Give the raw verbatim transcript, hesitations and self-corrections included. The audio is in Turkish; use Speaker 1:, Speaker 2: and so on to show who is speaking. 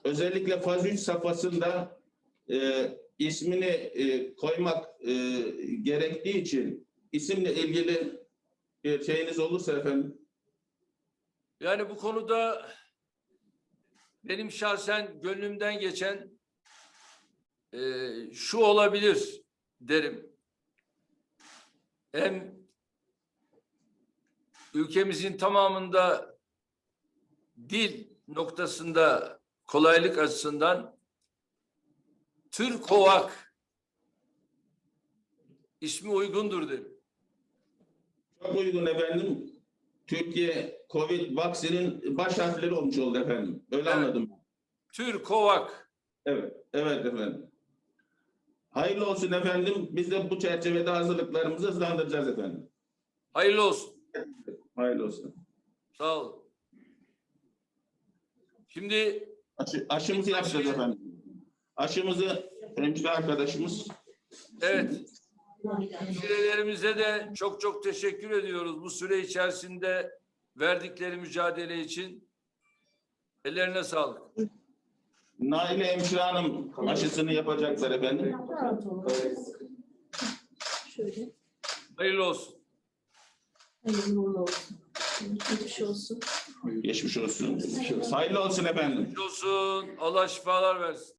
Speaker 1: özellikle faz üç safhasında e, ismini e, koymak e, gerektiği için isimle ilgili bir şeyiniz olursa efendim.
Speaker 2: Yani bu konuda benim şahsen gönlümden geçen e, şu olabilir derim. Hem ülkemizin tamamında dil noktasında kolaylık açısından Türkovak ismi uygundur derim.
Speaker 1: Çok uygun efendim. Türkiye Covid vaksinin baş harfleri olmuş oldu efendim. Öyle
Speaker 2: Evet.
Speaker 1: anladım.
Speaker 2: Türkovak.
Speaker 1: Evet, evet efendim. Hayırlı olsun efendim. Biz de bu çerçevede hazırlıklarımızı hızlandıracağız efendim.
Speaker 2: Hayırlı olsun.
Speaker 1: Hayırlı olsun.
Speaker 2: Sağ olun. Şimdi
Speaker 1: Aşı, aşımızı yapacağız efendim. Aşımızı hemşire arkadaşımız.
Speaker 2: evet, hemşirelerimize de çok çok teşekkür ediyoruz bu süre içerisinde verdikleri mücadele için. Ellerine sağlık.
Speaker 1: Naile Hemşire Hanım aşısını yapacaklar efendim.
Speaker 3: Şöyle.
Speaker 2: Hayırlı olsun.
Speaker 3: Hayırlı uğurlu olsun. Geçmiş olsun.
Speaker 1: Geçmiş olsun. Hayırlı olsun efendim.
Speaker 2: Geçmiş olsun. Allah şifalar versin.